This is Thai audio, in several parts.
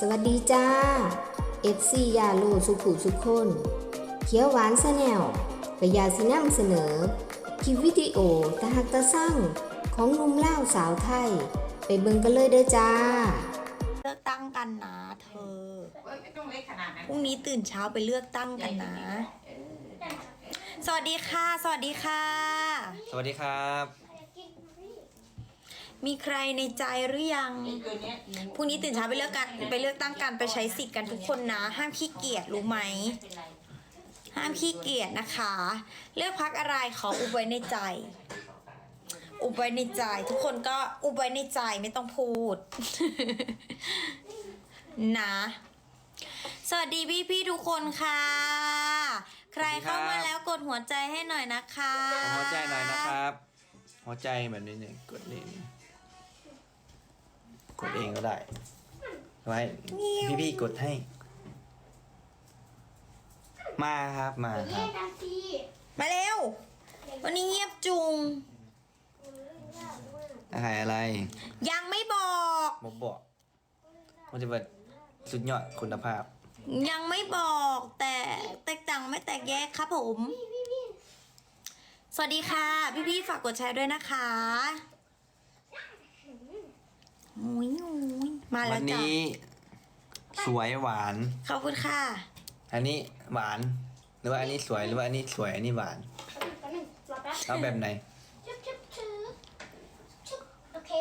วัสดีจ้า FC ยาลูสุขุสุขคนเขียวหวานซะแนวกะยาสินำเสนอคลิปวิดีโอตะหักตะสั่งของหนุ่มล่าวสาวไทย ไปเบิ่งกันเลยเด้อจ้าเลือกตั้งกันนะเธอไม่ต้องเล็กขนาดนั้นพรุ่งนี้ตื่นเช้าไปเลือกตั้งกันนะ สวัสดีค่ะ สวัสดีค่ะสวัสดีครับมีใครในใจหรือยังตัวเนี้ยพรุ่งนี้ตื่นเช้าไปเลือกตั้งกันไปใช้สิทธิ์กันทุกคนนะ ห้ามขี้เกียจรู้ไหม ห้ามขี้เกียจนะคะ เลือกพักอะไรขออุบไว้ในใจ อุบไว้ในใจ ทุกคนก็อุบไว้ในใจไม่ต้องพูด นะ สวัสดีพี่ทุกคนค่ะ ใครเข้ามาแล้วกดหัวใจให้หน่อยนะคะหัวใจหน่อยนะครับ หัวใจแบบนี้เนี่ยกดเองกดเองก็ได้ไว้พี่ๆกดให้ มาครับมาครับมาเร็ว วันนี้เงียบจุงอาหารอะไรยังไม่บอกบอกมันจะเป็นสุดยอดคุณภาพยังไม่บอกแต่แตกต่างไม่แตกแยกครับผม สวัสดีค่ะ พี่ฝากกดแชร์ด้วยนะคะโอ้ยมาแล้วัวน จ้ะนี้สวยหวานขอบคุณค่ะอันนี้หวาน หรือว่าอันนี้สวยหรือว่าอันนี้สวยอันนี้หวานเอาแบบไหนโอเค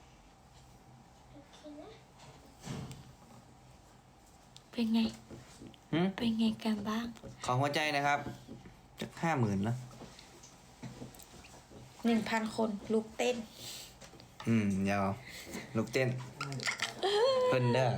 นะเป็นไงหืมเป็นไงกันบ้างของหัวใจนะครับจะ50,000นะ 1,000 คนลุกเต้นยาวลูกเต้นเพิ่นเด้อ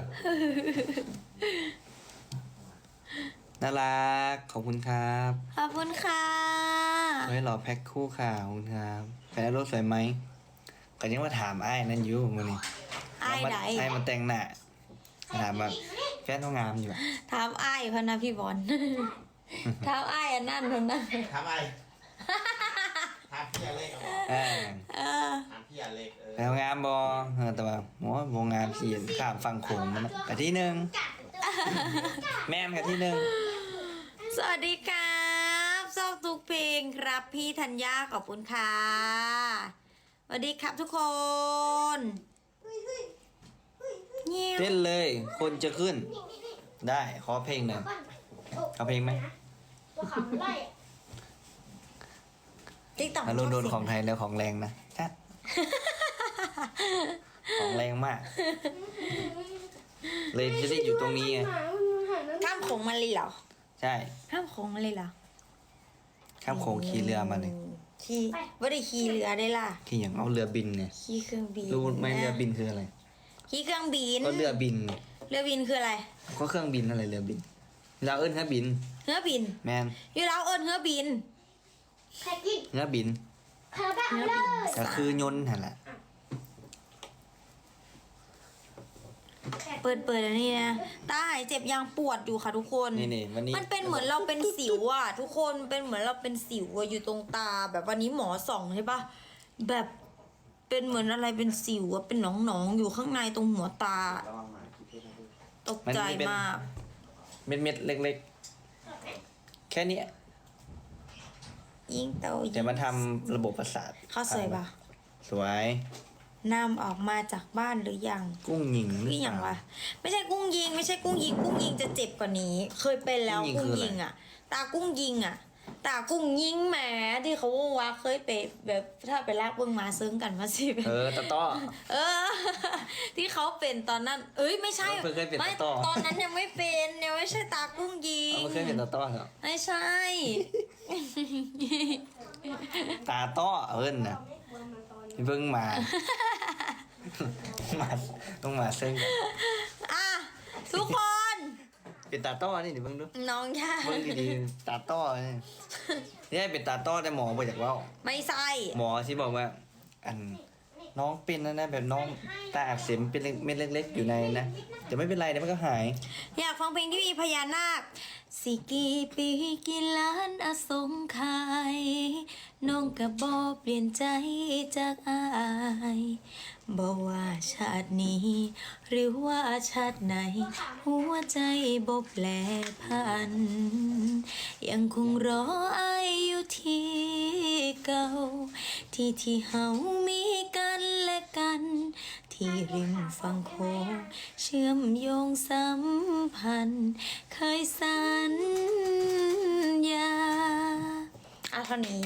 น่ารักขอบคุณครับขอบคุณค่ะไว้รอแพ็คคู่ค่ะขอบคุณครับแฟนรถสวยไหมก็ยังมาถามไอ้ายนั่นอยู่มื้อนี้อ้ายไหนไอ้ายมาแต่งหน้าถามว่าแฟนต้องงามอยู่อะถามอ้ายพะนะพี่บอล ถามอ้ายอันนั่นพะนะถามอะไรถามพี่อเล็กเออเออถามพี่อเล็กแฟนงามบ่แต่ว่าโอ้บ่งามสิข้ามฝั่งโขงมันนะกะที่หนึ่งแม่นกะที่หนึ่งสวัสดีครับชอบทุกเพลงครับพี่ธัญญาขอบคุณค่ะสวัสดีครับทุกคนเงี้ยเต้นเลย คนจะขึ้น ได้ขอเพลงหน่อยเอาเพลงไหมตัวขาวมันไล่ติ๊กต็อกอารมณ์โดนของไทยแล้วของแรงนะชัดของแรงมาก เลยจะได้อยู่ตรงนี้ไงข้ามโขงมาเลยเหรอใช่ข้ามโขงมาเลยเหรอข้ามโขงขี่เรือมาเลยขี่ไม่ได้ขี่เรือได้ล่ะขี่อย่างเอาเรือบินเนี่ยขี่เครื่องบินรู้ไหมเรือบินคืออะไรขี่เครื่องบินก็เรือบินไงเรือบินคืออะไรก็เครื่องบินอะไรเรือบิน เราเอิ้นเครื่องบินเรือบินแมนอยู่แล้วเอิญเรือบินแค่กินเรือบินคาราบาเลยก็คือยนต์หั่นแหละเปิดอันนี้นะตาหายเจ็บยังปวดอยู่ค่ะทุกคนนี่วันนี้มันเป็นเหมือนเราเป็นสิวอ่ะ ทุกคนเป็นเหมือนเราเป็นสิวอะอยู่ตรงตาแบบวันนี้หมอส่องใช่ปะแบบเป็นเหมือนอะไรเป็นสิวอะเป็นหนองๆอยู่ข้างในตรงหัวตา ตกใจมากเม็ดๆเล็กๆ แค่เนี้ยยิ่งโตแต่ยิ่งมาทำระบบประสาทเขาสวยปะสวยนำออกมาจากบ้านหรือยังกุ้งหญิงหรือนี่อย่างเปวะล่าไม่ใช่กุ้งยิง ไม่ใช่กุ้งยิง กุ้งยิงจะเจ็บกว่านี้ เคยเป็นแล้วกุ้งยิงกุ้งคืออะไรยิงอ่ะ ตากุ้งยิงอ่ะ ตากุ้งยิงแหมที่เขาว่าเคยไปแบบถ้าไปลากเบิ้งมาซึ้งกันมาสิตะต้อเออ ที่เขาเป็นตอนนั้น เอ้ยไม่ใช่เคยเป็นไม่ต่อตอนนั้นยังไม่เป็นยังไม่ใช่ตากุ้งยิงเอาไม่เคยเป็นตะต้อเหรอไม่ใช่ตาต้อเอิ้นนะเพิ่งมา มาต้องมาเส้นกันอ่ะทุกคนเป็นตาต้อนี่เดี๋ยวเพิ่งดูน้องย่าเพิ่งดีๆตาต้อนี่นี่เป็นตาต้อแต่หมอบอกจากว่าไม่ใช่หมอที่บอกว่า อันน้องเป็นนะแบบน้องตาอักเสบเป็นเม็ดเล็กๆอยู่ในนะแต่ไม่เป็นไรเดี๋ยวมันก็หายอยากฟังเพลงที่มีพญานาคสิกี่ปีกี่ล้านอสงไขยน้องกับบอเปลี่ยนใจจากอายบอกว่าชาตินี้ หรือว่าชาติไหน หัวใจบ่แปลพัน ยังคงรออายอยู่ที่เก่า ที่เฮามีกันและกัน ที่ริมฝั่งโขงเชื่อมโยงสัมพันธ์ เคยสัญญาเท่านี้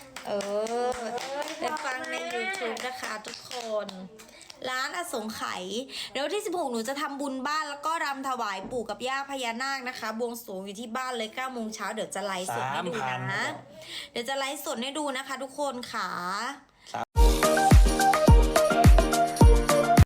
ไปฟังใน YouTube นะคะทุกคน ร้านอสงไขยเดี๋ยววันที่ 16 หนูจะทำบุญบ้านแล้วก็รำถวายปู่กับย่าพญานาคนะคะ บวงสรวงอยู่ที่บ้านเลย 9 โมงเช้าเดี๋ยวจะไลฟ์สดให้ดูนะ เดี๋ยวจะไลฟ์สดให้ดูนะคะทุกคนค่ะ